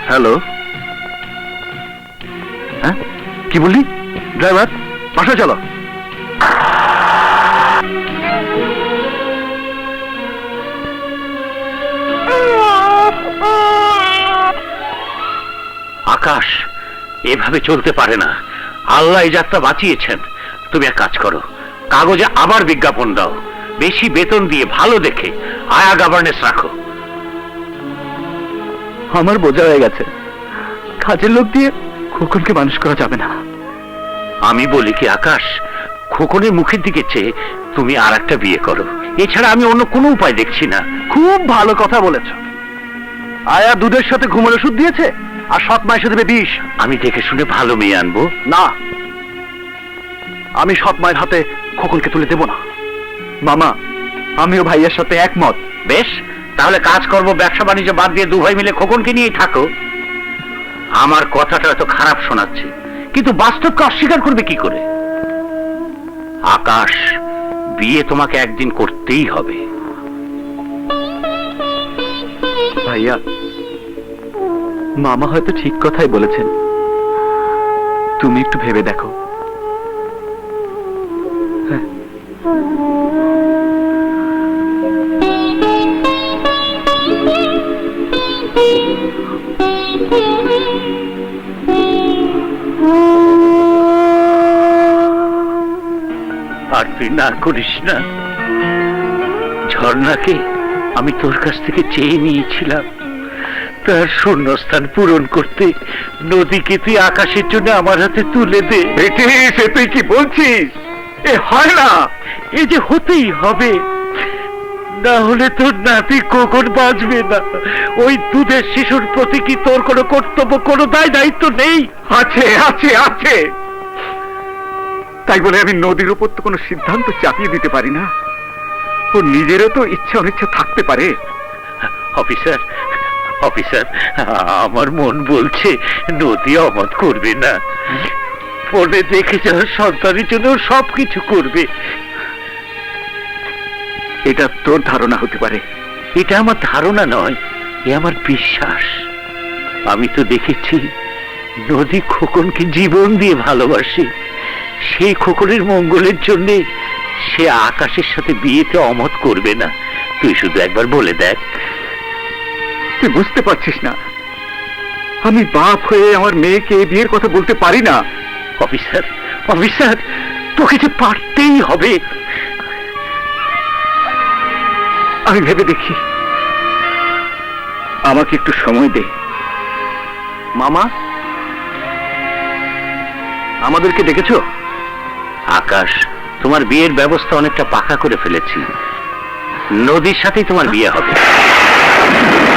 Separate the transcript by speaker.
Speaker 1: Hello, হ্যাঁ কি বললি? ড্রাইভার বাসা চলো।
Speaker 2: আকাশ, এভাবে চলতে পারে না। আল্লাহ এই যাত্রা বাঁচিয়েছেন। তুমি এক কাজ করো, কাগজে আবার বিজ্ঞাপন দাও, বেশি বেতন দিয়ে ভালো দেখে আয়া গভর্নেন্স রাখো।
Speaker 1: আমার বোঝা হয়ে গেছে, কাজের লোক দিয়ে খোকনকে মানুষ করা যাবে না।
Speaker 2: আমি বলি কি আকাশ, খোকনের মুখের দিকে চেয়ে তুমি আর একটা বিয়ে করো। এছাড়া আমি অন্য কোনো উপায় দেখছি না।
Speaker 1: খুব ভালো কথা বলেছ। আয়া দুধের সাথে ঘুমের ওষুধ দিয়েছে, আর সৎ মা এসে দেবে বিষ।
Speaker 2: আমি দেখে শুনে ভালো মেয়ে আনবো।
Speaker 1: না, আমি সৎ মায়ের হাতে খোকনকে তুলে দেব না। মামা, আমিও ভাইয়ের সাথে একমত।
Speaker 2: বেশ, তাহলে কাজ করবো, ব্যবসা বাণিজ্য বাদ দিয়ে দু ভাই মিলে খোকনকে নিয়েই থাকো। আমার কথাটা এত খারাপ শোনাচ্ছে, কিন্তু বাস্তবকে অস্বীকার করবে কি করে? আকাশ, বিয়ে তোমাকে একদিন করতেই হবে।
Speaker 1: ভাইয়া, মামা হয়তো ঠিক কথাই বলেছেন, তুমি একটু ভেবে দেখো। হ্যাঁ,
Speaker 2: আর তুই না করিস না। ঝর্ণাকে আমি তোর কাছ থেকে চেয়ে নিয়েছিলাম, তার শূন্যস্থান পূরণ করতে নদীকে তুই আকাশের জন্য আমার হাতে তুলে দে।
Speaker 1: সে তুই কি বলছিস? এ হয় না।
Speaker 2: এই যে হতেই হবে, না হলে তোর নাতি কখন বাঁচবে না। ওই দুধের শিশুর প্রতি কি তোর কোনো কর্তব্য, কোনো দায় দায়িত্ব নেই?
Speaker 1: আছে আছে আছে, তাই বলে আমি নদীর উপর তো কোনো সিদ্ধান্ত চাপিয়ে দিতে পারি না। ও নিজেরও তো ইচ্ছা অনিচ্ছা থাকতে পারে।
Speaker 2: অফিসার, অফিসার, আমার মন বলছে নদী অমত করবে না। পরে দেখে যাওয়া সন্তানের জন্য সবকিছু করবে।
Speaker 1: এটা তোর ধারণা হতে পারে।
Speaker 2: এটা আমার ধারণা নয়, এ আমার বিশ্বাস। আমি তো দেখেছি নদী খোকনকে জীবন দিয়ে ভালোবাসে। সেই খোকনের মঙ্গলের জন্য সে আকাশের সাথে বিয়েতে অমত করবে না। তুই শুধু একবার বলে দেখ।
Speaker 1: তুই বুঝতে পারছিস না, আমি বাপ হয়ে আমার মেয়েকে এই বিয়ের কথা বলতে পারি না।
Speaker 2: অফিসার, অফিসার, তোকে যে পারতেই হবে।
Speaker 1: আমি ভেবে দেখি, আমাকে একটু সময় দে। মামা, আমাদেরকে দেখেছ?
Speaker 2: আকাশ, তোমার বিয়ের ব্যবস্থা অনেকটা পাকা করে ফেলেছি। নদীর সাথেই তোমার বিয়ে হবে।